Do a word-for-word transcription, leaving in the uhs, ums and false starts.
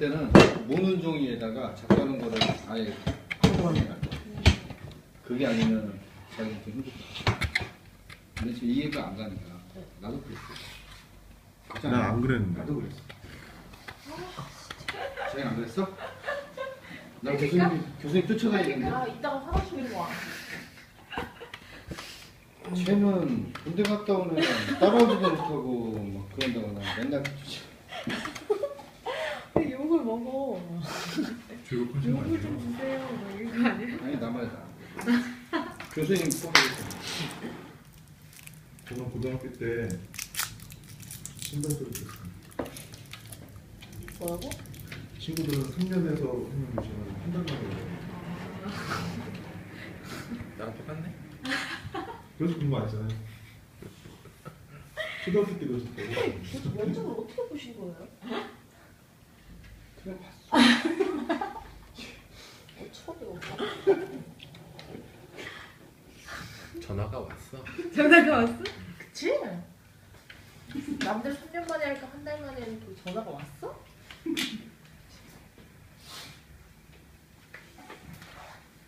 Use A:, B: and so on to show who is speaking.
A: 때는 모는 종이에다가 작가는 거를 아예 한꺼번에 갈 거야. 그게 아니면 자기는 좀 힘들 거야. 근데 지금 이해가 안 가니까 나도 그랬어.
B: 난 안 그랬는데.
A: 나도 그랬어. 쟤는 안 그랬어? 나 교수님 교수님 쫓아다니는데.
C: 아, 이따가 화장실 와.
A: 쟤는 군대 갔다 오는 애랑 따라오지도 못하고 막 그런다고 나 맨날 쫓아.
C: 왜 욕을 먹어?
B: 졸업하신 거
C: 욕을 좀
B: 아니에요?
C: 주세요. 뭐 이거 아니야?
A: 아니 나 말이다. 교수님 뽑아줬어.
B: 저는 고등학교 때 신발 소리 듣었어요.
C: 뭐라고?
B: 친구들은 삼 년에서 했는데 저는 한 달 만에 해요.
D: 나랑 똑같네?
B: 그래서 공부 안 했잖아요. 초등학교 때도 했었고.
C: 도대체 면접을 어떻게 보신 거예요?
A: 그래 봤어.
C: 어처구니가 없다.
D: 전화가 왔어.
C: 전화가 왔어? 그치? 남들 삼 년 만에 할까 한 달 만에 그 전화가 왔어?